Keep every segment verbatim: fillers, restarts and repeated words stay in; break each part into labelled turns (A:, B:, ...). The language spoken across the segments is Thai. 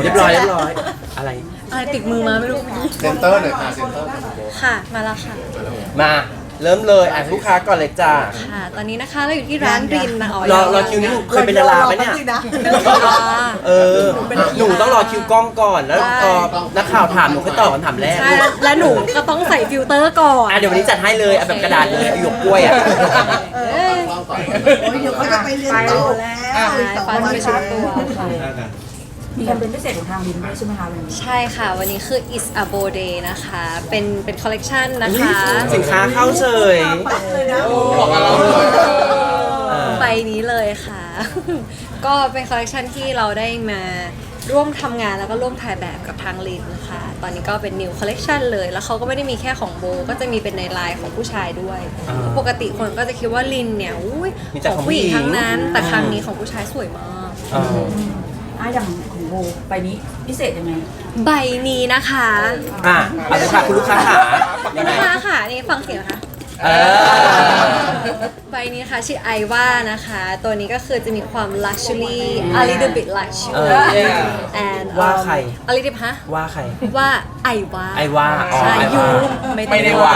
A: เรียบร้อยเรียบร้อยอะไร
B: อะไรติดมือมาไม่รู้
C: เซนเตอร์หน่อยค่ะเซนเตอร์
B: ค่ะมาแล้วค่ะ
A: มาเริ่มเลยอ่ะลูกค้าก่อนเลยจ้า
B: ค่ะ ตอนนี้นะคะเราอยู่ที่ร้านรินนะอ๋อ
A: รอรอคิวนี่เคยเป็นดาราไหมเนี่ยเออหนูต้องรอคิวกล้องก่อนแล้วพอนักข่าวถามหนูค่อยตอบคำถามแรก
B: ใช่และหนูก็ต้องใส่ฟิลเตอร์ก่อน
A: อ่ะเดี๋ยววันนี้จัดให้เลยเอาแบบกระดาษเลยหยวกกล้วยอ่ะ
B: เอ้ย
C: กล้องก่อน
D: เดี๋ยวเขาจะไปเรียนต่อแล้วอีกสอง
B: ฟ้า
D: วั
B: จะ
D: น
B: ไปชุดตัวค่ะ
E: มีแคมเปญพิเศษของทางลินด้วยใช่ไหมคะวันนี้
B: ใช่ค่ะ วันนี้คือ is a bow day นะคะ เป็นเป็นคอลเลกชันนะคะ
A: สินค้าเข้าเฉย
D: เลยนะ
C: บอกกับเราเลย
B: ใบนี้เลยค่ะ ก็เป็นคอลเลกชันที่เราได้มาร่วมทำงานแล้วก็ร่วมถ่ายแบบกับทางลินค่ะ ตอนนี้ก็เป็น new collection เลย แล้วเขาก็ไม่ได้มีแค่ของโบ ก็จะมีเป็นในไลน์ของผู้ชายด้วย
A: อ่า
B: ปกติคนก็จะคิดว่าลินเนี่ยอุ้ย
A: มีแต่
B: ข
A: ข
B: อ
A: อง ง
B: ผู้หญิง
A: ผู้หญิง
B: ทั้งนั้น แต่ครั้งนี้ของผู้ชายสวยมาก
A: เออ
E: อ่ะอย่างของโบใบนี้พิเศษยังไง
B: ใบนี้นะคะ
A: อ่ะเอาเลยค่ะคุณลูกค้าขา
B: คุณลูกค้าค่ะนี่ฟังเสียงนะคะ
A: เออ
B: ใบนี้ค่ะชื่อไอว่านะคะ ตัวนี้ก็คือจะมีความ luxury a little bit lush
A: เออ
B: and
A: ว่าใคร
B: a little bit ฮะ
A: ว่าใคร
B: ว่าไอว่า
A: ไอว่าอ๋อ
B: ใช่
A: ไอ
B: ยู
A: ว่า
B: ไม่
A: ไม่ได้ว่า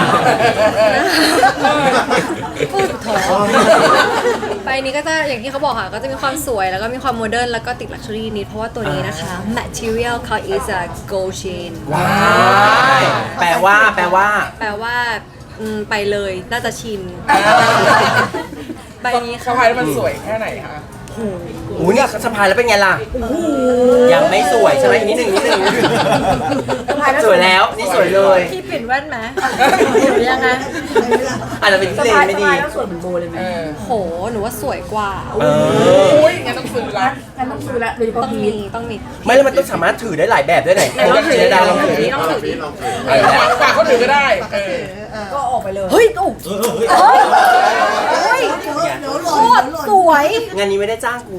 B: พูดถอใบนี้ก็จะอย่างที่เขาบอกค่ะ ก็จะมีความสวยแล้วก็มีความโมเดิร์นแล้วก็ติด luxury นิดเพราะว่าตัวนี้นะคะ material เขา is a gold chain
A: ว้ายแปลว่าแปลว่า
B: แปลว่าอืมไปเลยน่าจะชิน ใบนี้
F: สะ
B: ค่ะ
F: พายแล้วมันสวยแค่ไหนคะ
A: อู้เนี่ยสะพายแล้วเป็นไงล่ะยังไม่สวยใช่ไหมอีกนิดหนึ่งนิดหนึ่งสวยแล้วนี่สวยเลย
B: พี่เปลี่ยนแว่นไหมหรือยังไง
A: อาจจะเป็นที่
E: สะ
A: เล
E: พาย
A: นไม่
E: สะ
A: ดี
E: พายแล้วสวยเหมือนโบเลยไหม
F: เออ
B: โหหนูว่าสวยกว่า
A: เออ
F: โอ้ยงั้นต้องซื้อละ
E: งั้นต้องซื้อละโดยเฉพาะ
B: ต้อง
E: พี
B: มี
E: ท
B: ต้องมี
A: ไม่แล้วมันต้องสามารถถือได้หลายแบบด้วยไหน
B: ไหนลองถือ
A: เจดาลองถือ
B: ดิลองถือดิ
C: ลองถือ
F: เออฝากฝากคนอื่นก็ได้ เออ
E: ก็ออกไปเลย
B: เฮ้ยโอ้เฮ้ย
D: เดี๋ยวเดี๋ยวหล่
B: โคน ตร
D: เดี๋ยวห
B: ส
D: ล่น
B: วย
A: งานนี้ไม่ได้จ้างกู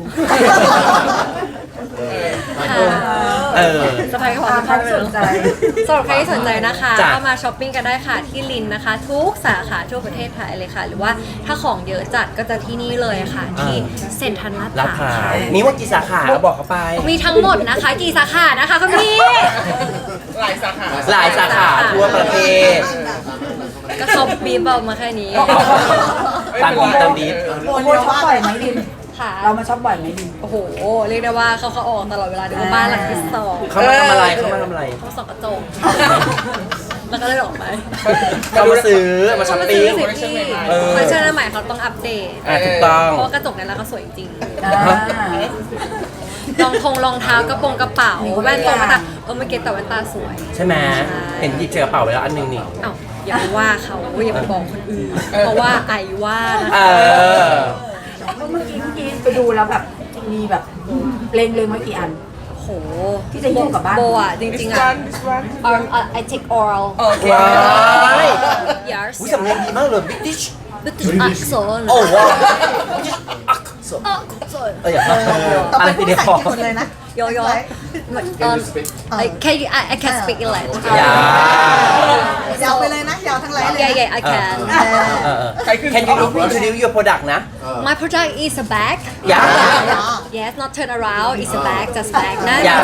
B: ค่ะ
A: เออ
B: สะพายกระเป๋า
E: ตาม
B: สะพายไป
E: ที่
B: เล
E: ส
B: ย
E: นใจ
B: สำหรับใครที่สนใจนะคะ
A: จ้ะ
B: ก็มาช้อปปิ้งกันได้ค่ะที่ลินนะคะ ทุกสาขาทั่วประเทศไทยเลยค่ะ หรือว่าถ้าของเยอะจัดก็จะที่นี่เลยค่ะ ที่เซ็นทรัลลาด
A: ลาด
B: พ
A: พร้า
B: ร้าว ว
A: มีว่ากี่สาขาบอกเขาไป
B: มีทั้งหมดนะคะ กี่สาขานะคะคุณพี่
F: หลายสาขา
A: หลายสาขาทั่วประเทศ
B: ก็เขาบีบเอามาแค่นี้
A: ตามบีบตามบีบ
E: โบโบช็อปบ่อยไหมลิน
B: ค่ะ
E: เรามาช็อปบ่อยไหมลิน
B: โอ้โห เรียกได้ว่าเขาเขาออกตลอดเวลาเดี๋ยวบ้านหลังที่สอง
A: เขามาทำอะไรเขามาทำอะไร
B: เขาส่องกระจก แล้วก็เลยออกไป
A: เขามาซื้อมาช้อปปิ้ง
B: เขาซื้อสิพี่
A: เออ
B: คอลเลคชันใหม่เขาต้องอัปเดต
A: อ่ะถูกต้อง
B: เพราะว่ากระจกในร้านเขาสวยจริง
E: อ่า
B: รองทงรองเท้ากระโปรงกระเป๋าแว่นตรงแว่นตาเออเมื่อกี้แต่แว่นตาสวย
A: ใช่ไหมเห็นหยิบใส่กระเป๋าไว้แล้วอันหนึงนี่
B: เอ้าอย่าไปว่าเขาอย่าไปบอกคนอื่น เพราะว่าไอว่านะ
A: เออ
E: ก็เมื่อกี้เมื่อกี้ไปดูแล้วแบบมีแบบเลงเลงไว้กี่อัน
B: โห
E: ที่จะหิ้วกลับบ้าน
B: โบอ่ะจริงๆอ่ะ
F: this one
B: um uh, I take oral
F: โอเค
A: ว้าย
B: yes
A: อุ้ยสำเนียงดีมากเลยบิ๊กดิช
B: British accent
A: โอ้ว้าว
B: accent
A: เอออย่า
D: ต่อ
A: อะไร
D: ไปพู
A: ที
D: ด
A: เดียว
D: ภา
A: พอ
D: ษาอังกฤษหมดเลยนะ
B: โยโย่ um I can you I I can speak English
A: อย่าย
D: าวไปเลยนะ ยาวทั้งไลน์เลย
B: yeah
D: นะ
B: yeah I can
A: เออเออ Can you introduce your product นะ
B: my product is a bag
A: อย่า
B: yes not turn around it's a bag just bag นะ
A: อย่า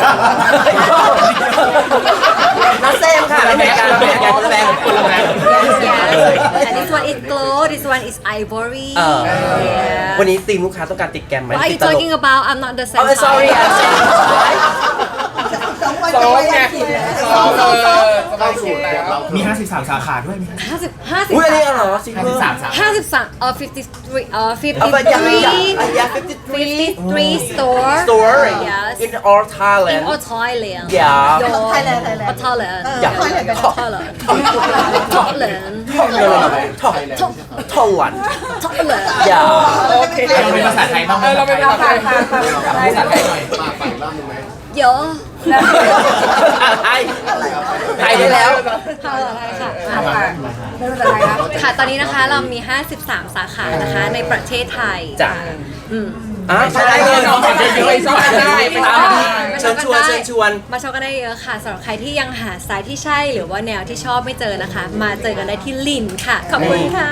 A: น้าเซมค่ะไม่เหมือนกันไม่เหมือนกันคนละแบรนด์คนละแบรนด์
B: yes and this one is glow this one is ivory
A: เออ
B: yeah
A: วันนี้ทีมลูกค้าต้องการติดแกรมไหม
B: what are
A: ติ
B: you
A: ดตลก
B: talking about I'm not the same
A: อ๋อ sorry I'm saying
D: สองวัน
F: ซ้
D: จะ
F: อม
D: ไป
F: ไง
D: อังกฤษเลย
F: ซ้อมเออสบา
C: เข้าย สู
F: สุ
C: ต
F: ด
C: ร
F: แล้
C: แบบ
F: ว
C: เรา
G: มี ห้าสิบสาม สาขาด้วยมี
B: ห้าสิบห้าสิบ
A: อุ้ยอันนี้เหรอซิงเกิล
G: สามสาม
B: ห้าสิบสามเออ fifty three เออ fifty
A: เอาไปยัง
B: three
A: ยังยัง53
B: fifty three store
A: store
B: yes
A: in all
B: in
A: Thailand
B: all Thailand
A: yeah
B: โย
D: ไทยแลนด์ไทยแลน
B: อ๋อ
D: ด์
B: Thailand
D: เออ
B: yeah
D: Thailand กัน
B: Thailand Thailand
A: no no no Thailand Thailand
B: Thailand
A: อย่า
F: โอเค
G: เราเป็นภาษาไทยบ้างไหม
F: เออเราเป็นภาษาไทย
G: ภาษาไทยหน่อย
C: มาใส่รอบนึงไหม
B: เยอะ
A: ไทยไทยได้แล้ว
B: ค่ะอะไรค่ะ
E: อ่าค่ะไม่เป็นไรนะ
B: ค่ะ ตอนนี้นะคะเรามี ห้าสิบสาม สาขานะคะ ในประเทศไทย
A: จ้ะ
B: อืม
A: อ่ะใช่เลย
F: น้องๆจะอยู่ในซอยได้ไปตาม
A: เชิญชวนเชิญชวน
B: มาช็อปกันได้เยอะค่ะสำหรับใครที่ยังหาสไตล์ที่ใช่หรือว่าแนวที่ชอบไม่เจอนะคะ มาเจอกันได้ที่ลินค่ะ ขอบคุณค่ะ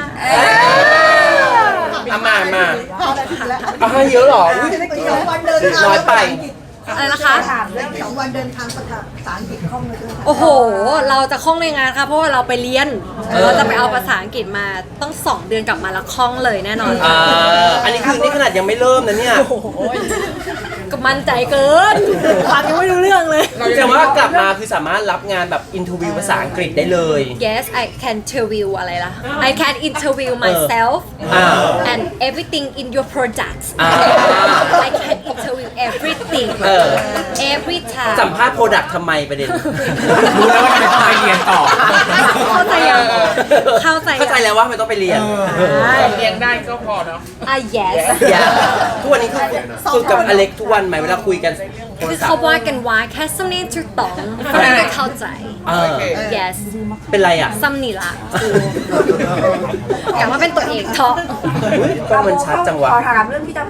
A: เอามามา
D: พอได้ทีแล้ว
A: เอาให้เยอะเหรออุ๊ย
D: จะได้กินวันเดินทาง
A: น้อยไป
B: อะไรนะคะ
E: ถามเรื่อง
D: สองวันเดินทางภาษาอังกฤษคล่องเลยใช่ไหมคะ
B: โอ้โห เราจะคล่องในงานค่ะเพราะว่าเราไปเรียน เราจะไปเอาภาษาอังกฤษมาต้องสองเดือนกลับมาแล้วคล่องเลยแน่นอน
A: อ่าอันนี้คือนี่ขนาดยังไม่เริ่มนะเนี่ย
B: ก็มั่นใจเกินฟังยังไม่รู้เรื่องเลย
A: แสดงว่ากลับมาคือสามารถรับงานแบบอินทวิวภาษาอังกฤษได้เลย
B: Yes I can interview อะไรล่ะ I can interview myself
A: อ่า
B: and everything in your products
A: อ่า
B: I can interview everything
A: เออ
B: every time
A: สัมภาษณ์โปรดักต์ทำไมประเด็น
G: รู้แล้วว่าทำไมต้องไปเรียนต่อ
B: เข้าใจยังเข้าใจยัง
A: เข้าใจแล้วว่าไม่ต้องไปเรียน
F: เลี้ยงได้ก็พอเนาะ
B: อ่ะ yes
A: อย่าทุกวันนี้คือฝึกกับอเล็กทุกวันไหมเวลาคุยกันโทร
B: คือ
A: ศัพ
B: เขา
A: ท์
B: ว่ากันว่าแค่สำเนียงถูกต้องฝรั่งก็เข้าใจ
A: เออ
B: yes
A: เป็นไรอ่ะ
B: ซ้ำนี่ละกลับมาเป็นตัวเองเถอะ
A: อุ๊ยกล้องมันชัดจังวะ
E: ขอถามเรื่องที่จะ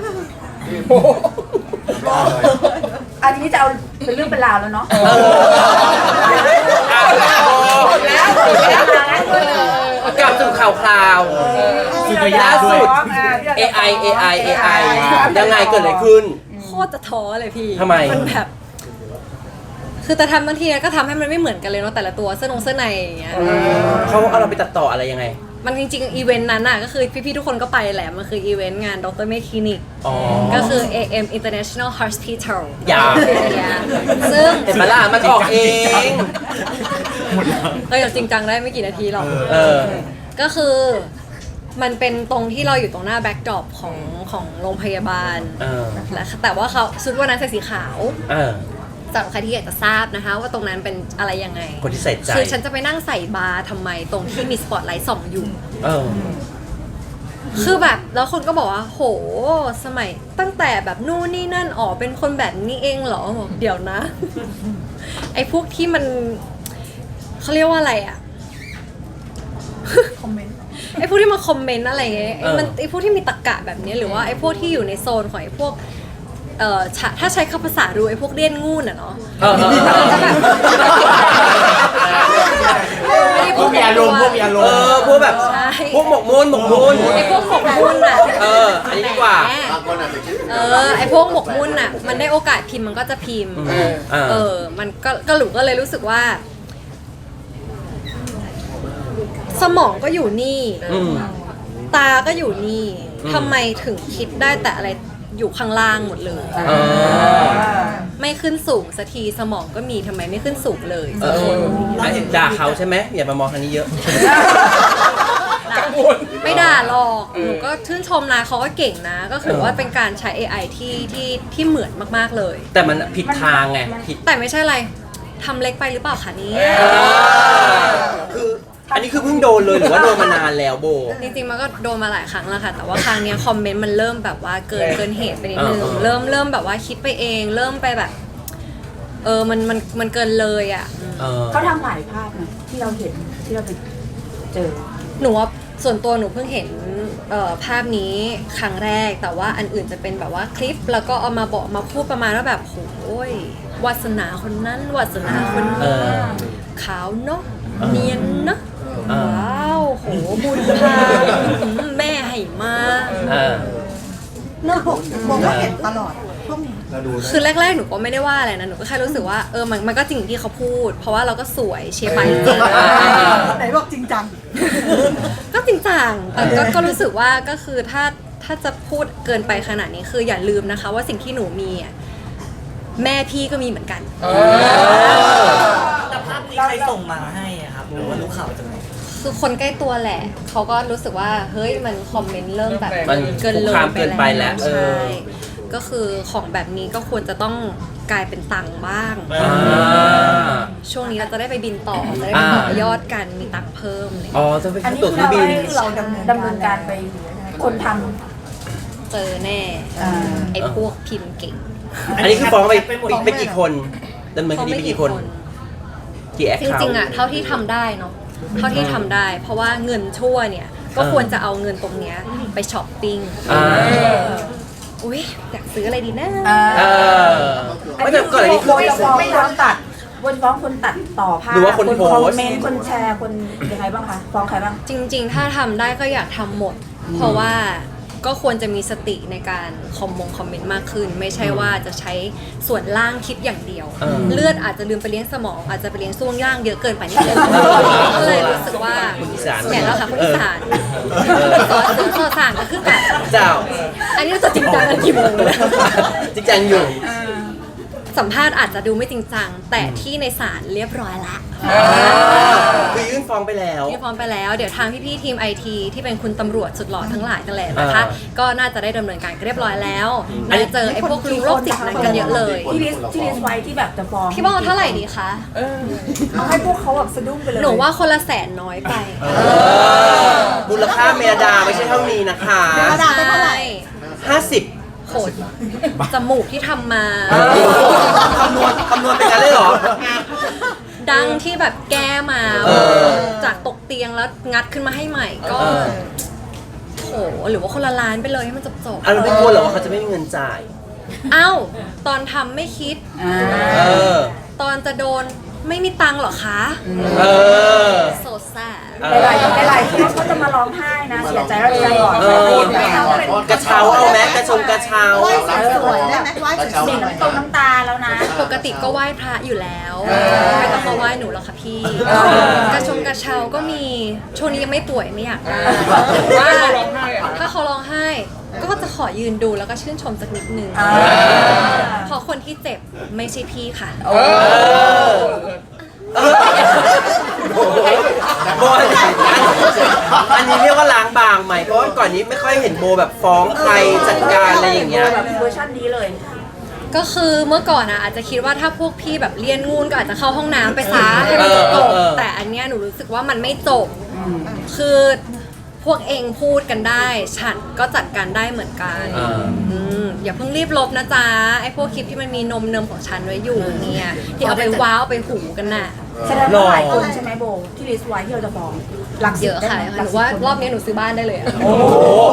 E: อันนี้จะเอาเป็นเรื่องเป็นราวแล้วเนาะ
A: เอาละโบ
F: แล้วแล้ว
A: กลับสู่ข่าวคราว
G: สุดยอดด้วย
A: เอ ไอ เอ ไอ เอ ไอ ยังไงเกิดอะไรขึ้น
B: โคตรจะท้อเลยพี่
A: ทำไม
B: มันแบบ คือแต่ทำบางทีก็ทำให้มันไม่เหมือนกันเลยเนาะแต่ละตัวเสื้อนงเสื้อในอย่างเงี้ย
A: เขาเอาเราไปตัดต่ออะไรยังไง
B: มันจริงๆอีเวนต์นั้นน่ะก็คือพี่ๆทุกคนก็ไปแหละมันคืออีเวนต์งานดรเมคคลินิก
A: อ๋อ
B: ก็คือ เอ เอ็ม International Hospital
A: อย่า
B: ซึ่ง
A: เห็นไหมล่ะมันออกเอง
B: เราอย่าจริงจังได้ไม่กี่นาทีหรอก
A: เออ
B: ก็คือมันเป็นตรงที่เราอยู่ตรงหน้าแบ็กดรอปของของโรงพยาบาล
A: เออ
B: และแต่ว่าเขาชุดวันนั้นใส่สีขาว
A: เออ
B: สำหรับใครที่อยากจะทราบนะคะ ว่าตรงนั้นเป็นอะไรยังไง
A: คนที่ใส่ใจ
B: คือฉันจะไปนั่งใส่บาร์ทำไมตรงที่มีสปอตไลท์ส่องอยู่
A: เออ
B: คือแบบแล้วคนก็บอกว่าโหสมัยตั้งแต่แบบนู่นนี่นั่นอ๋อเป็นคนแบบนี้เองเหรอบอกเดี๋ยวนะ ไอ้พวกที่มันเขาเรียกว่าอะไรอะ
D: คอมเมนต์
B: ไอ้พวกที่มาคอมเมนต์อะไรเงี้ยไอ้มัน
A: เออ
B: ไอ้พวกที่มีตรรกะแบบนี้หรือว่าไอ้พวกที่อยู่ในโซนของไอ้พวกเอ่อฉะถ้าใช้คำภาษาดูไอ้พวกเลี่ยนงูนอะเนาะ
A: เออเออเออ
B: ก็แบบไม่ได้
G: พวกมีอารมณ์พวกมีอารม
A: เอ
G: ณ์
A: อพวกแบบ
B: ใช่
A: พวกหมกมุ่นหมกมุ่น
B: ไอ้พวกหมกมุ่นอะ
A: เอออันนี้ดีกว่า
B: แหม
C: บางคนอาจจะคิดถึง
B: เออไอ้พวกหมกมุ่นอะมันได้โอกาสพิมพ์มันก็จะพิมพ์
A: เออเออ
B: เออ มันก็ก็หลูก็เลยรู้สึกว่า สมองก็อยู่นี่
A: อืม
B: ตาก็อยู่นี่
A: อืม
B: ทำไมถึงคิดได้แต่อะไรอยู่ข้างล่างหมดเลย
A: เออ
B: ไม่ขึ้นสูงสักทีสมองก็มีทำไมไม่ขึ้นสูงเลย
A: เอออ่ะด่าเขาใช่ไหมอย่ามามองทางนี้เยอะ
F: กังวล
B: ไม่ด่าหรอกหนูก็ชื่นชมนะเขาก็เก่งนะ ก็คือว่าเป็นการใช้ เอ ไอ ที่ที่ที่เหมือนมากๆเลย
A: แต่มันผิดทางไงผิด
B: แต่ไม่ใช่อะไรทำเล็กไปหรือเปล่าคะเนี่ย
A: คืออันนี้คือเพิ่งโดนเลยหรือว่าโดนมานานแล้วโบ
B: จริงๆมันก็โดนมาหลายครั้งแล้วค่ะ แต่ว่าครั้งเนี้ยคอมเมนต์มันเริ่มแบบว่าเกินเกินเหตุไปนิดนึง
A: เออเออ
B: เริ่มเริ่มแบบว่าคิดไปเอง เริ่มไปแบบ เออมันมันมันเกินเลยอ่ะ
A: เออ
E: เขาทำหลายภาพนะที่เราเห็นที่เราไปเจอ
B: หนูว่าส่วนตัวหนูเพิ่งเห็นเอ่อภาพนี้ครั้งแรก แต่ว่าอันอื่นจะเป็นแบบว่าคลิป แล้วก็เอามาบอกมาพูดประมาณว่าแบบโอ้ยวาสนาคนนั้นวาสนาคน
A: เอ
B: นี้
A: อ
B: ขาวเนาะ
A: เออ
B: เนียนเนาะ
A: เออ
B: ว้าวโหบุญพาอืมแม่ให้มา
A: เออ
D: เนอะมองว่าเห็นตลอดพวกนี้
C: เราดูนะ
B: คือแรกๆหนูก็ไม่ได้ว่าอะไรนะหนูก็แค่รู้สึกว่าเออมันมันก็จริงที่เขาพูด เพราะว่าเราก็สวยเชียร์ไปจริง
D: ไหนบอกจริงจัง
B: ก็จริงจังแต่ก็ก็รู้สึกว่าก็คือถ้าถ้าจะพูดเกินไปขนาดนี้คืออย่าลืมนะคะ ว่าสิ่งที่หนูมีอ่ะแม่พี่ก็มีเหมือนกัน
F: เออ
H: แต่ภาพนี้ใครส่งมาให้อะครับหรือว่ารู้ข่าวจากไหน
B: คือคนใกล้ตัวแหละเขาก็รู้สึกว่าเฮ้ยมันคอมเมนต์เริ่มแบบ
A: มัน
B: เกินเล
A: คุก
B: ย
A: คามเกินไปแล้วเออ
B: ใช่ก็คือของแบบนี้ก็ควรจะต้องกลายเป็นตังค์บ้าง
A: อ่า
B: ช่วงนี้เราจะได้ไปบินต่อจะได้ไปต่อยอดกันมีตังค์เพิ่มเลย
A: อ๋อจะไป
E: อันนี้
A: ตั๋ว
E: คือ
A: เครื่อ
E: เรา
A: งบิน
E: ให้เราดำเนินดำเนินการไปคนท
B: เจอแน่
E: ำอ่า
B: ไอ้พวกพิมพ์เก่ง
A: อันนี้คือฟ้องไป
H: ไปหมด
A: ไปกี่คนดำเนินคดีไปกี่คน กี่แอค
B: จ
A: เคาท์
B: ริงๆอ่ะเท่าที่ทำได้เนาะเท่าที่ทำได้ เพราะว่าเงินชั่วเนี่ย ก็ควรจะเอาเงินตรงเนี้ยไปช้อปปิ้ง
A: อ่า
B: อุ้ยอยากซื้ออะไรดีนะ
E: อ่า
A: เออไม่แต่ก่อนอันนี้คือ
E: วนฟ้องคนตัดวนฟ้องคนตัดต่อภาพ
A: หรือว่าคนโพสต์
E: คอมเมนต์คนแชร์คนยังไงบ้างคะฟ้องใครบ้าง
B: จริง ๆ ถ้าทำได้ก็อยากทำหมด เพราะว่าก็ควรจะมีสติในการคอมมงคอมเมนต์มากขึ้น ไม่ใช่ว่าจะใช้ส่วนล่างคิดอย่างเดียว
A: เออ
B: เลือดอาจจะลืมไปเลี้ยงสมอง อาจจะไปเลี้ยงช่วงล่างเยอะเกินไปนิดนึงก็เลยรู้สึกว่า
A: คนอีสาน
B: แหมแล้วค่ะคนอีสานซอสซอสสานก็คือแบบ
A: เจ้า
B: อันนี้เราจะจริงจังกันกี่โมงเลย
A: จริงจังอยู่
B: สัมภาษณ์อาจจะดูไม่จริงจัง แต่ที่ในศาลเรียบร้อยละ
A: คือยื่นฟ้องไปแล้ว
B: ที่พร้อมไปแล้ว เดี๋ยวทางพี่ๆทีมไอทีที่เป็นคุณตำรวจสุดหล่อทั้งหลายกันแหละนะคะ
A: อ่า
B: ก็น่าจะได้ดำเนินการกันเรียบร้อยแล้วน่าจะเจอไอ้พวกลุงโรคจิตนั้นกันเยอะเลย
E: ที่ลิสที่ลิสไว้ที่แบบจะฟ้อง
B: พี่บอกเท่าไหร่ดีคะ
E: เอาให้พวกเขาแบบสะดุ้งไปเลย
B: หนูว่าคนละแสนน้อยไป
A: มูลค่าเมดาไม่ใช่เท่านี้นะคะ
D: เมดาเป็นเท่าไหร่
A: ห้าสิบ
B: โหดจมูกที่ทำมา
A: คำนวณคำนวณเป็นกันเลยเหรอ
B: ดังที่แบบแก้มา
A: เออ
B: จากตกเตียงแล้วงัดขึ้นมาให้ใหม่ก็
A: เออ
B: โหหรือว่าคนละล้านไปเลยให้มันจบจบๆ
A: อ่ะเราไม่กลัวเหรอว่าเขาจะไม่มีเงินจ่าย
B: เอ้าตอนทำไม่คิด
A: เออ
B: ตอนจะโดนไม่มีตังค์เหรอคะ
A: เออ
B: โซซ่า
E: หลายๆหลายๆเคสเขาจะมาร้องไห้นะ เสียใจแล้วใจก่อน
A: เออ กระเช้าเอาไหมกระชงกระเช้า
D: ไหว้สวยๆได้ไหมไหว้สวย
E: เด็ก
D: ๆ
E: ตรงน้ำตาแล้วนะ
B: ปกติก็ไหว้พระอยู่แล้ว ไม่ต้องมาไหว้หนูหรอกค่ะพี่ กระชงกระเช้าก็มีช่วงนี้ยังไม่ป่วยไม่อยากได้แต่ว่า
F: เขาร้องไห้อะ
B: ถ้าเขาร้องไห้ ก็จะขอยืนดูแล้วก็ชื่นชมสักนิดนึง
E: อ่า
B: เพราะคนที่เจ็บไม่ใช่พี่ค่ะ
A: เออโบอันนี้อันนี้เรียกว่าล้างบางไหมเพราะว่าก่อนนี้ไม่ค่อยเห็นโบแบบฟ้องใครจัดการอะไรอย่างเงี้ย
E: แบบเวอร์ชันนี้เลย
B: ก็คือเมื่อก่อนอะอาจจะคิดว่าถ้าพวกพี่แบบเลียนงูนก็อาจจะเข้าห้องน้ำไปซะให้มันจบ
A: เออเออ
B: แต่อันเนี้ยหนูรู้สึกว่ามันไม่จบ คือพวกเองพูดกันได้ ฉันก็จัดการได้เหมือนกัน
A: อ่า
B: อืมอย่าเพิ่งรีบลบนะจ๊ะไอ้พวกคลิปที่มันมีนมเนมของฉันไว้อยู่เนี่ยที่เอาไปว้าวไปหูกันน่ะ
E: แสดงว่าหลายคนใช่ไหมโบที่ลิสไว้ที่เราจะฟ้องหลักสิ
B: เย
E: บ
B: อะ
E: ได้
B: ค่ะ
E: ไหม
B: หนูว่ารอบนี้หนูซื้อบ้านได้เลยอะ
A: โอ้โห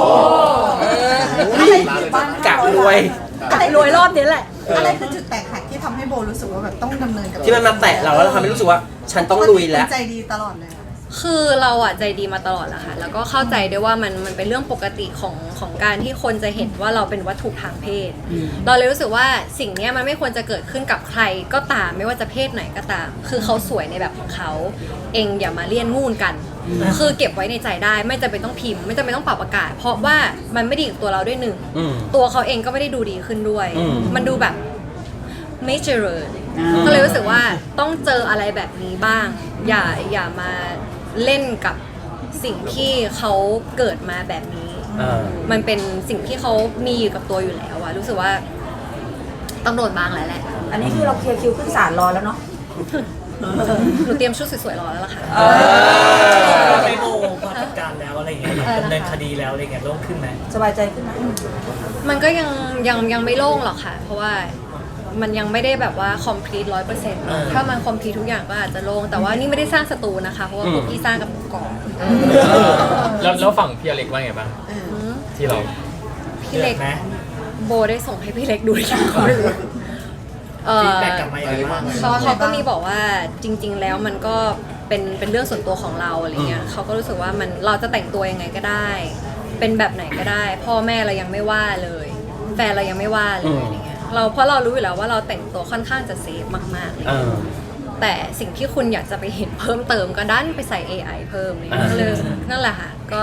A: กะรวย
B: อะไรรวยรอบนี้แหละ
D: อะไรคือจุดแตกหักที่ทำให้โบรู้สึกว่าแบบต้องดำเนินกับ
A: ที่มันมาแตะเราแล้วเราทำให้รู้สึกว่าฉันต้องลุยแล้ว
D: ใจดีตลอดเลย
B: คือเราอะใจดีมาตลอดแหละค่ะ แล้วก็เข้าใจด้วยว่ามันมันเป็นเรื่องปกติของของการที่คนจะเห็นว่าเราเป็นวัตถุทางเพศ เราเลยรู้สึกว่าสิ่งเนี้ยมันไม่ควรจะเกิดขึ้นกับใครก็ตามไม่ว่าจะเพศไหนก็ตาม คือเขาสวยในแบบของเขาเองอย่ามาเลี่ยนงูนกัน คือเก็บไว้ในใจได้ไม่จำเป็นต้องพิมพ์ไม่จำเป็นต้องปรับอากาศ เพราะว่ามันไม่ดีกับตัวเราด้วยหนึ่ง
A: อืม
B: ตัวเขาเองก็ไม่ได้ดูดีขึ้นด้วย
A: อืม
B: มันดูแบบไม่เจริญ ก็เลยรู้สึกว่าต้องเจออะไรแบบนี้บ้าง อย่าอย่ามาเล่นกับสิ่งที่เขาเกิดมาแบบนี้
A: เออ
B: มันเป็นสิ่งที่เขามีอยู่กับตัวอยู่แล้วอะรู้สึกว่าต้องโดนบ้างแล้วแหละ
E: อันนี้คือเราเคลียร์คิวขึ้นศาลรอแล้วเนาะ
B: หนูเตรียมชุดสวยๆรอแล้วล่ะค่ะ
H: ไปโบพอจัดการแล้วอะไรอย่างเงี้ยดำเนินคดีแล้วอะไรอย่างเงี้ยโล่งขึ้นไหม
E: สบายใจขึ้นไหม
B: มันก็ยังยังยังไม่โล่งหรอกค่ะ เพราะว่ามันยังไม่ได้แบบว่า complete ร้อยเปอร์เซ็นต์ถ้ามัน complete ทุกอย่างก็อาจจะโล่งแต่ว่านี่ไม่ได้สร้างศัตรูนะคะ เพราะว่าพวกพี่สร้างกับหนูก่อน
F: แล้วแล้วฝั่งพี่อเล็กว่าไงบ้าง
B: อืม
F: ที่เรา
B: พี่เล็ก
H: ไหม
B: โบได้ส่งให้พี่เล็กดูหรือยังเขาไม่รู้เออ
H: ฟีดแบ็กกลับมาอย่างไรบ้าง
B: เขาเขาก็มีบอกว่าจริง ๆ แล้วมันก็เป็นเป็นเรื่องส่วนตัวของเราอะไรเงี้ยเขาก็รู้สึกว่ามันเราจะแต่งตัวยังไงก็ได้ เป็นแบบไหนก็ได้ พ่อแม่เรายังไม่ว่าเลย แฟนเรายังไม่ว่าเลยอะไรเงี้ยเราเพราะเรารู้อยู่แล้วว่าเราแต่งตัวค่อนข้างจะเซฟมากๆเลย
A: เออ
B: แต่สิ่งที่คุณอยากจะไปเห็นเพิ่มเติมก็ดันไปใส่ เอ ไอ เพิ่มเลย
A: อ่า
B: เลยนั่นแหละค่ะก็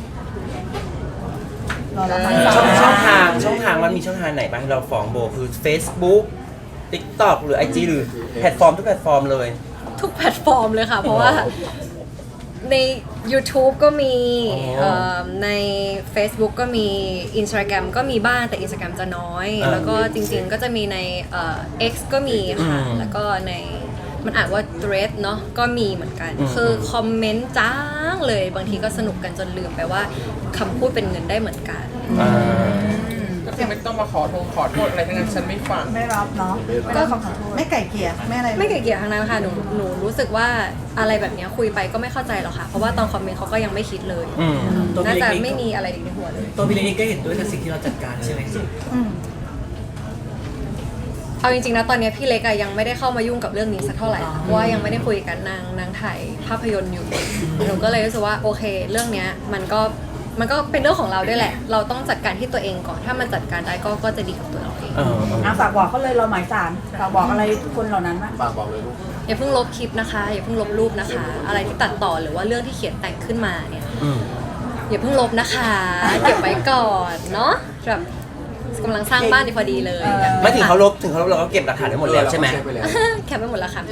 D: รอรับฟัง
A: ช่องช่องทางช่องทางมันมีช่องทางไหนบ้างที่เราฟ้องโบคือ Facebook TikTok หรือ ไอ จี หรือแพลตฟอร์มทุกแพลตฟอร์มเลย
B: ทุกแพลตฟอร์มเลยค่ะ เพราะว่าใน YouTube ก็มี
A: อ๋อ
B: เอ่อใน Facebook ก็มี Instagram ก็มีบ้างแต่ Instagram จะน้อย
A: อ่า
B: แล้วก็จริงๆก็จะมีในเอ่อ X ก็มีค่ะ
A: อืม
B: แล้วก็ในมันอ่านว่า thread เนาะก็มีเหมือนกัน
A: อืม
B: คือคอมเมนต์จ้างเลยบางทีก็สนุกกันจนลืมไปว่าคำพูดเป็นเงินได้เหมือนกัน
A: อ่า
F: ก็คือไม่ต้องมาขอโทษขอโทษอะไรทั้งนั้นฉันไม่ฟัง
E: ไม่รับเนาะไม่รับคำขอโทษ
D: ไม่ไก่เกลี่ยไม่อะไร
B: ไม่เกลียดทางนั้นค่ะหนูหนูรู้สึกว่าอะไรแบบเนี้ยคุยไปก็ไม่เข้าใจหรอกค่ะ เพราะว่าตอนคอมเมนต์เขาก็ยังไม่คิดเลย
A: อืม
H: ตัว
B: น่า
H: พี่
B: จะ
H: เล็ก
B: ไม่มีอะไรในหัวเลย
H: ตัวพี่เล็กก็เห็นด้วยกับสิ่งที่เราจัดการใช่ไหม
D: อืม
B: เอาจริงๆนะตอนเนี้ยพี่เล็กอะยังไม่ได้เข้ามายุ่งกับเรื่องนี้สักเท่าไหร่ค่ะเพราะว่ายังไม่ได้คุยกันนางนางถ่ายภาพยนตร์อยู่หนูก็เลยรู้สึกว่าโอเค เรื่องเนี้ยมันก็มันก็เป็นเรื่องของเราด้วยแหละ เราต้องจัดการที่ตัวเองก่อนถ้ามันจัดการได้ก็ก็จะดีกับตัวเราเอง
A: เออ
E: อ่ะฝากบอกเขาเลยเราหมายสารฝากบอกอะไรคนเหล่านั้นบ้าง
C: ฝากบอกเลยลูก
B: อย่าเพิ่งลบคลิปนะคะอย่าเพิ่งลบรูปนะคะ อะไรที่ตัดต่อหรือว่าเรื่องที่เขียนแต่งขึ้นมาเนี่ย
A: อืม
B: อย่าเพิ่งลบนะคะ เก็บไว้ก่อนเนาะแบบกำลังสร้างบ้านดีพอดีเลย
A: ไม่ถึงเขาลบถึงเขาลบเราก็เก็บหลักฐานได้หมดแล้วใช่ไหม
C: เออเราก็เช็คไปแล้ว
B: แคปไปหมดแล้วค่ะ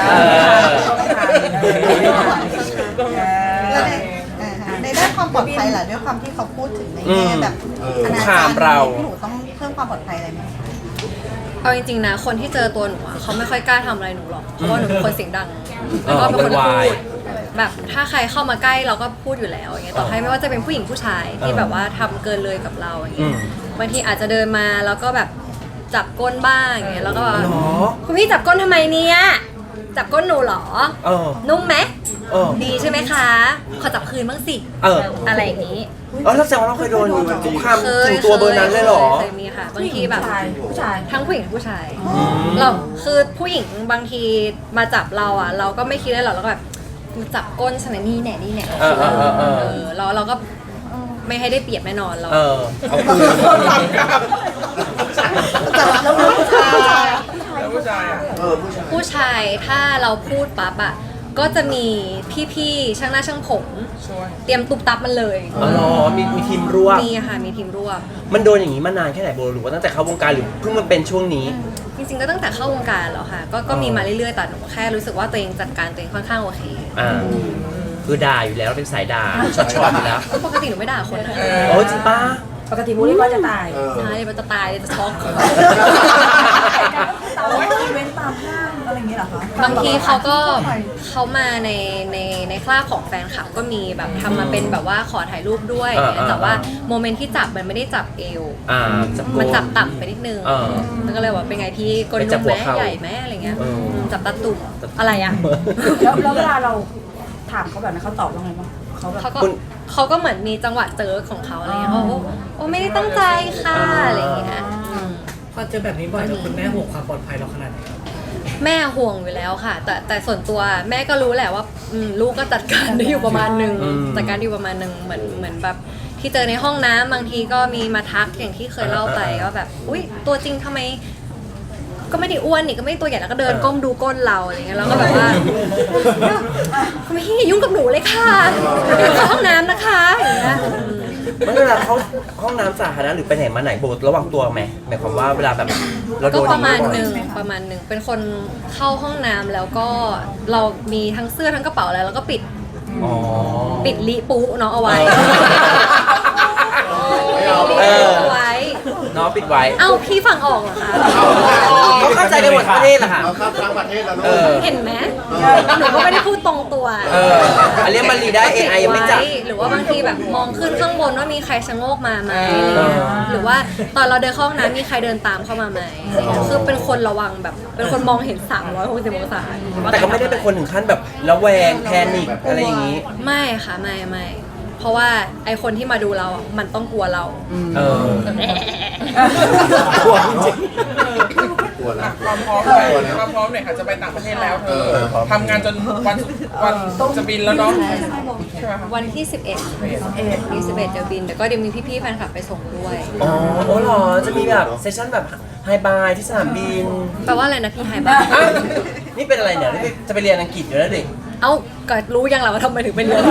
D: แล้วในอ่าฮะในด้านความปลอดภัยล่ะด้วยความที่เขาพูดถึงในแง่แบบ
C: เออ
D: อนา
A: คุกคา
D: จาร
A: ม
D: ย์
A: เรา
D: หนูต้องเพิ่มความปลอดภัยอะไรไหม
B: เอาจริงๆนะคนที่เจอตัวหนูอะเขาไม่ค่อยกล้าทำอะไรหนูหรอกเพราะว่าหนูเป็นคนเสียงดังแล้วก็เป็นคนพูดแบบถ้าใครเข้ามาใกล้เราก็พูดอยู่แล้วอย่างเงี้ยต่อให้ไม่ว่าจะเป็นผู้หญิงผู้ชายที่แบบว่าทำเกินเลยกับเราอย่าง
A: อื
B: เงี้ย
A: ม
B: บางทีอาจจะเดินมาแล้วก็แบบจับก้นบ้างอย่างเงี้ยแล้วก็แบบ
A: หรอ
B: คุณพี่จับก้นทำไมเนี่ยจับก้นหนูเหรอ
A: เออ
B: นุ่มไหม
A: เออ
B: ดีใช่ไหมคะ ขอจับคืนบ้างสิ
A: เออ
B: อะไรอย่างนี้
A: เออแล้วแสดงว่าเราเคยโดนคุกคามถึงตัวเบอร์นั้นเลยเหรอ
B: เคยมีค่ะ บางทีแบบ
E: ผู้ชายผู้ชาย
B: ทั้งผู้หญิงผู้ชายเราคือผู้หญิงบางทีมาจับเราอ่ะ เราก็ไม่คิดเลยหรอกเราก็แบบจับก้นสนนี่แหน่นี่แหน่
A: เออเออเออเออ
B: เออเราเราก็ไม่ให้ได้เปรียบแน่นอนเรา
A: เออเอาคืน
D: แต่ว่าแล้วผู้ชาย
F: แล้วผู้ชายอะ
C: เออผู้ชาย
B: ผู้ชายถ้าเราพูดปั๊บอ่ะก็จะมีพี่ๆช่างหน้าช่างผม
F: ช่วย
B: เตรียมตุบตับมันเลย
A: อ๋อเหรอมีมีทีมร่วม
B: มีค่ะมีทีมร่วม
A: มันโดนอย่างนี้มานานแค่ไหนโบหรือว่าตั้งแต่เข้าวงการหรือเพิ่งมาเป็นช่วงนี้
B: จริงๆก็ตั้งแต่เข้าวงการแล้วค่ะ ก็ก็มีมาเรื่อยๆแต่หนูแค่รู้สึกว่าตัวเองจัดการตัวเองค่อนข้างโอเค
A: อ่าคือด่าอยู่แล้วเป็นสายด่าช็อตๆอยู่แล้ว
B: ปกติหนูไม่ด่าคนนะ
A: โอ้จริงป้า
E: ปกติบูลลี่ก็จะตาย
C: เออ
B: ใช่มันจะตายจะช็อก
E: ตามอีเวนต์ตามห้างอะไรอย่างเงี้ยเหรอคะ
B: บางทีเขาก็เขามาในในในคราบของแฟนคลับก็มีแบบทำมาเป็นแบบว่าขอถ่ายรูปด้วย
A: อ่าอ่า
B: แต่ว่าโมเมนต์ที่จับมันไม่ได้จับเอว
A: อ่าจับโก
B: มันจับต่ำไปนิดนึง
A: เออ
B: แล้วก็เลยว่าเป็นไงพี่กล
A: ไปจั
B: นุ่
A: บ
B: ม
A: หั
B: ไห
A: ว
B: ม
A: เข่า
B: ใหญ่ไหมอะไรเงี้ย
A: เอออื
B: มจับตาตุ่มอะไรอ่ะ
E: แล้วแล้วเวลาเราถามเขาแบบนั้นเขาตอบว่าไงบ้างเขาแบบ
B: เขาก็
A: คุณ
B: เขาก็เหมือนมีจังหวะเจอของเขาอะไรเงี้ยเขาโอ้โอ้ไม่ได้ตั้งใจค่ะอะไรอย่างเงี้ยอืม
H: พอเจอแบบนี้บ่อยแล้วคุณแม่ห่วงความปลอดภัยเราขนาดไหนครับ
B: แม่ห่วงอยู่แล้วค่ะ แต่แต่ส่วนตัวแม่ก็รู้แหละว่าอืมลูกก็จัดการได้อยู่ประมาณหนึ่ง
A: อืม
B: จัดการได้อยู่ประมาณหนึ่งเหมือนเหมือนแบบที่เจอในห้องน้ำบางทีก็มีมาทักอย่างที่เคยเล่าไปว่าแบบอุ้ยตัวจริงทำไม ก็ไม่ได้อ้วนนี่ก็ไม่ได้ตัวใหญ่แล้วก็เดินก้มดูก้นเราอะไรเงี้ยเราก็แบบว่าคุณพี่อย่ายุ่งกับหนูเลยค่ะเดี๋ยวเข้าห้องน้ำนะคะอย่างเงี้ยอืม
A: มันเวลาเขาห้องน้ำสาธารณะหรือไปไหนมาไหนโบระวังตัวไหมหมายความว่าเวลาแบบเราโด
B: ก็
A: น
B: ประมาณ
A: อย่ง
B: หนึ่ง
A: บ่อย
B: ประมาณหนึ่งเป็นคนเข้าห้องน้ำแล้วก็เรามีทั้งเสื้อทั้งกระเป๋าอะไรแล้วก็ปิด
A: อ๋อ
B: ปิดลิปูเนาะเอาไว้
A: เออ
B: เอาไว้
A: เนาะปิดไว้
B: เอ้าพี่ฟังออกเหรอคะ
A: เขาเข้าใจกันหมดประเทศแหละค่ะ
C: เราข้ามทั้งประเทศแล้วลู
A: เอก อ
B: เห็นไหมหนูก็ไม่ได้พูดตรงตัว
A: เอออันเรียกมันรีได้ เอ ไอ ยังไม่จับ
B: หรือว่าบางทีแบบมองขึ้นข้างบนว่ามีใครชะโงกมาไหม
A: เออ
B: หรือว่าตอนเราเดินเข้าห้องน้ำมีใครเดินตามเข้ามาไหมคือเป็นคนระวังแบบ เป็นคนมองเห็นสามร้อยหกสิบองศา
A: แต่ก็ไม่ได้เป็นคนถึงขั้นแบบระแวงแพนิคอะไรอย่างนี้
B: ไม่ค่ะไม่ไม่เพราะว่าไอคนที่มาดูเราอ่ะมันต้องกลัวเรา
A: เออ
C: กลัวจริงกลัวนะ
F: ความพร้อมหน่อยความพร้อมหน่อยค่ะจะไปต่างประเทศแล้วเธอ
C: เออ
F: ทำงานจนวันวันจะบินแล้วเนาะใช่ไหมคะ
B: วันที่ สิบเอ็ดที่สิบเอ็ดจะบินแต่ก็เดี๋ยวมีพี่ๆแฟนคลับไปส่งด้วย
A: อ๋อโอ้เหรอ จะมีแบบเซสชั่นแบบไฮบายที่สนามบิน
B: แปลว่าอะไรนะพี่ไฮบ้า
A: อ่ะนี่เป็นอะไรเนี่ยนี่จะไปเรียนอังกฤษอยู่แล้วดิ
B: เอ้าก็รู้ยังแหละว่าทำไมถึงไปเรียน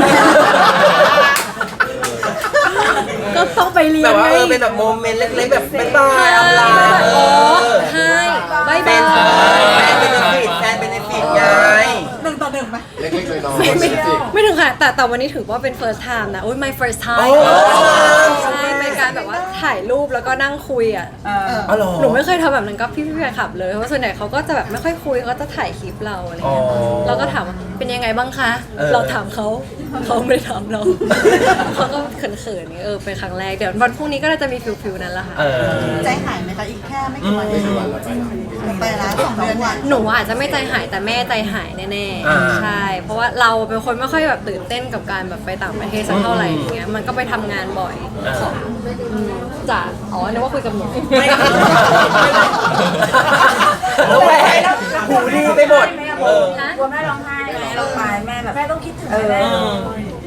B: ก็ต้องไปเรีย
A: แบ
B: น
A: บว่า
B: ไง
A: เออเป็นแบบโมเมนต์เล็กๆแบบบ๊ายบายอำลา
B: โอ้ใช่บาย
A: เป็
B: บาน
A: แฟ
B: ย
A: นเบนฟิตแฟนเบนฟิตไง
D: หนึ่งต่อหนึ่งไหม
C: เล็กๆเลยน้อง
B: ไม่ไม่
C: จริง
B: ไม่ถึงค่ะแต่แต่วันนี้ถือว่าเป็น first time นะอุ้ย my first
A: โอ้
B: time ใช่เป็นการแบบว่าถ่ายรูปแล้วก็นั่งคุยอ่ะ
A: อ๋อเหรอ
B: หนูไม่เคยทำแบบนั้นกับพี่พี่แฟนคลับเลยเพราะส่วนใหญ่เขาก็จะแบบไม่ค่อยคุยเขาจะถ่ายคลิปเราอะไรเงี้ย
A: อ๋อ
B: เราก็ถามว่าเป็นยังไงบ้างคะ
A: เออ
B: เราถามเขาเขาไม่ได้ถามเรา เขาก็เขินๆนี่เออเป็นครั้งแรกเดี๋ยววันพรุ่งนี้ก็น่าจะมีฟิลฟิลนั้นแหละค่ะ
A: เออ
D: ใจหายไหมคะอีกแค่ไม่กี่วัน
C: ไม่ใช่วันละไปละ
D: ไปแล้วสองเดือนเนี่ย
B: หนูอาจจะไม่ใจหายแต่แม่ใจหายแน่
A: อ่า
B: ๆใช่ เพราะว่าเราเป็นคนไม่ค่อยแบบตื่นเต้นกับการแบบไปต่างประเทศสักเท่าไหร่อย่างเงี้ยมันก็ไปทำงานบ่อย
A: อ่า
B: ของอืมจ้ะอ๋อนึกว่าคุยกับหนู
A: ไม่แล้วแหวนหูดีไปหมด เออ
B: ฮะ
E: กลัวแม่ร้องไห้ไหมเราไปแม่แบบแม่ต้องคิดถึงแม่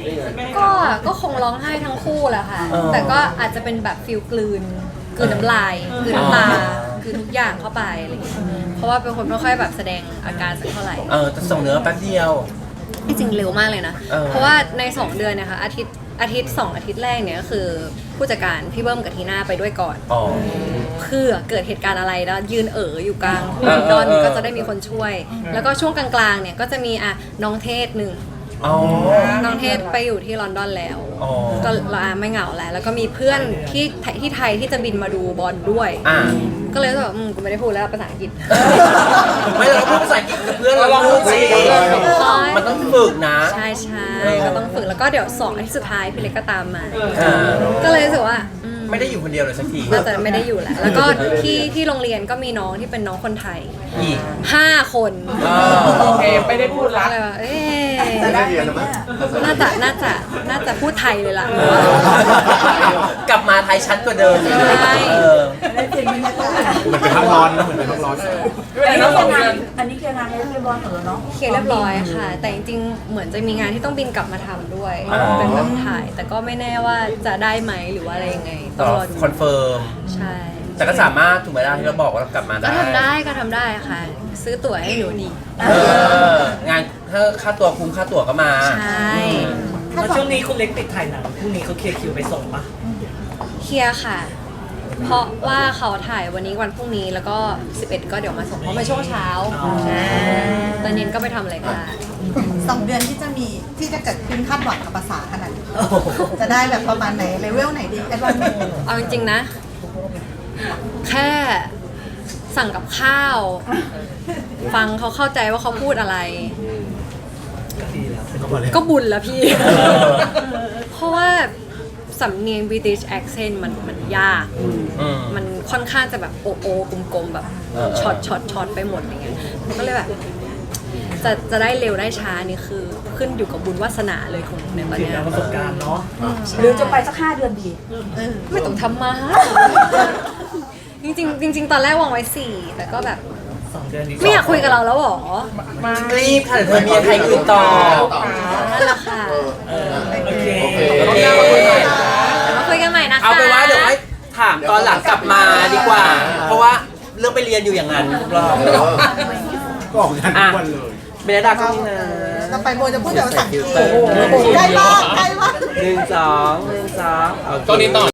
B: ก็ก็คงร้องไห้ทั้งคู่แหละค่ะ
A: เออ
B: แต่ก็อาจจะเป็นแบบฟิลกลืนกลืนน้ำลายกลืนน้ำตา
A: อ๋อ
B: กลืนทุกอย่างเข้าไปอะไรอย่างเงี้ยเพราะว่าเป็นคนไม่ค่อยแบบแสดงอาการสักเท่าไหร่
A: เออแต่ส่งเนื้อแป๊บเดียว
B: จริงๆเร็วมากเลยนะ
A: เออ
B: เพราะว่าในสองเดือนเนะคะอาทิตย์อาทิตย์สองอาทิตย์แรกเนี่ยก็คือผู้จัดการพี่เบิ้มกับทีน่าไปด้วยก่อน
A: อ๋อ
B: เพื่อเกิดเหตุการณ์อะไรแล้วยืนเอ๋ออยู่กลาง
A: เออ
B: ดอน
A: เออ
B: ก็จะได้มีคนช่วย แล้วก็ช่วงกลางๆเนี่ยก็จะมีอ่ะน้องเทศหนึ่ง
A: อ๋อ
B: น้องเทศไปอยู่ที่ลอนดอนแล้ว
A: อ๋อ
B: ก็เราอ่ะไม่เหงาแล้ว แล้วก็มีเพื่อนที่ไทยที่ไทยที่จะบินมาดูบอลด้วย
A: อ่า
B: ก็เลยรู้สึกว่าอืมกูไม่ได้พูดแล้วภาษาอังกฤษ
A: ไม่เราพูดภาษาอังกฤษกับเพื่อนเราพูดสิมันต้องฝึกนะ
B: ใช่ใช่ก็ต้องฝึกแล้วก็เดี๋ยวสองอาทิตย์สุดท้ายพี่เล็กก็ตามมา
A: อ่า
B: ก็เลยรู้สึกว่าอืม
A: ไม่ได้อยู่คนเดียวเลยสักที
B: น่าจะไม่ได้อยู่แล้ว แล้วก็ที่ที่โรงเรียนก็มีน้องที่เป็นน้องคนไทย
A: อีก
B: ห้าคน
A: อ่า
F: โอเคไม่ได้พูดละ
B: ก็เลยว่าเอ๊ะ
D: จะได้เรียนไหม
B: น่าจะน่าจะน่าจะพูดไทยเลยล่ะ
A: กลับมาไทยชัดกว่าเดิม
B: ใช่
A: เออ
E: ได้เปลี่ยนบรรยากาศ
G: เหมือนเป็นห้องร้อนนะเหมือนเป็นห้องร้อน
F: ไม่
E: อัน
F: ได้
E: นี้
F: นะ
E: เค
F: ส
E: ลี
F: อย ง
E: ร์งา
F: เดือน น
E: อันนี้เคลียร์งานให้เรียบร้อยเออเนาะ
B: เคลียร์เรียบร้อยค่ะ แต่จริงๆ เหมือนจะมีงานที่ต้องบินกลับมาทำด้วย
A: อ๋อ
B: เป็นแบบถ่าย แต่ก็ไม่แน่ว่าจะได้ไหมหรือว่าอะไรยังไง ต้องรอดู
A: คอนเฟิร์ม
B: ใช่
A: แต่ก็สามารถถูกไหมล่ะที่เราบอกว่าเรากลับมา
B: ก็
A: ได้
B: ทำได้ก็ทำได้ค่ะ ซื้อตั๋วให้หนูดี
A: เอองานถ้าค่าตัวคุ้มค่าตั๋วก็มา
B: ใช่
H: แล้วช่วงนี้คุณเล็กติดถ่ายหนังพรุ่งนี้เขาเคลียร์คิวไปส่งปะ
B: เคลียร์ค่ะ เพราะว่าเขาถ่ายวันนี้วันพรุ่งนี้แล้วก็สิบเอ็ดก็เดี๋ยวมาส่งเพราะมาช่วงเช้าใช่ตอนเย็นก็ไปทำอะไรก็ได้
D: สองเดือนที่จะมีที่จะเกิดขึ้นคาดหวังกับภาษาขนาดนี้จะได้แบบประมาณไหนเลเวลไหนดีแอดวานซ์
B: เอาจริงๆนะ แค่สั่งกับข้าว ฟังเขาเข้าใจว่าเขาพูดอะไร
H: ก็ดีแล้ว
B: ก็บุญแล้วพี่ เพราะว่าสำเนียง British accent มันมันยาก
A: อืม
B: มันค่อนข้างจะแบบโอโอกลมๆ แบบ
A: เออ
B: ช็อตช็อตช็อตไปหมดอย่างเงี้ยมันก็เลยแบบ จะจะได้เร็วได้ช้านี่คือขึ้นอยู่กับบุญวาสนาเลยของในตอน
H: ถึง
B: เนี้ย
H: แล้วประสบการณ์เนาะ
E: หรือจะไปสักห้าเดือนดี
B: ไม่ต้องทำมา จริงๆจริง ๆ ตอนแรกวางไว้สี่แต่ก็แบบ
H: สองเดือนดี
B: ไม่อยากคุยกับเราแล้วหรอ
A: รีบค่ะเดี๋ยวเธอมีใครอื่นต่อ
B: นั่นแหละค่ะ
H: เออโอเค
A: โอเค
B: เดี๋ยวมาคุยกันใหม่นะคะ
A: เอาไปนว่าเดี๋ยวให้ถามตอนหลังกลับมาดีกว่า เพราะว่าเรื่องไปเรียนอยู่อย่างนั้นทุกรอบ
G: ก็ออกงานทุกวันเลย
A: เบนดาก็นี่นะ
D: เราไปโบจะพูดแต่ภาษาอังกฤษ
A: โอ้โห
D: ใกล้มากใกล้มาก
A: หนึ่งสองหนึ่งสองโอเค
F: ตอนนี้ต่อ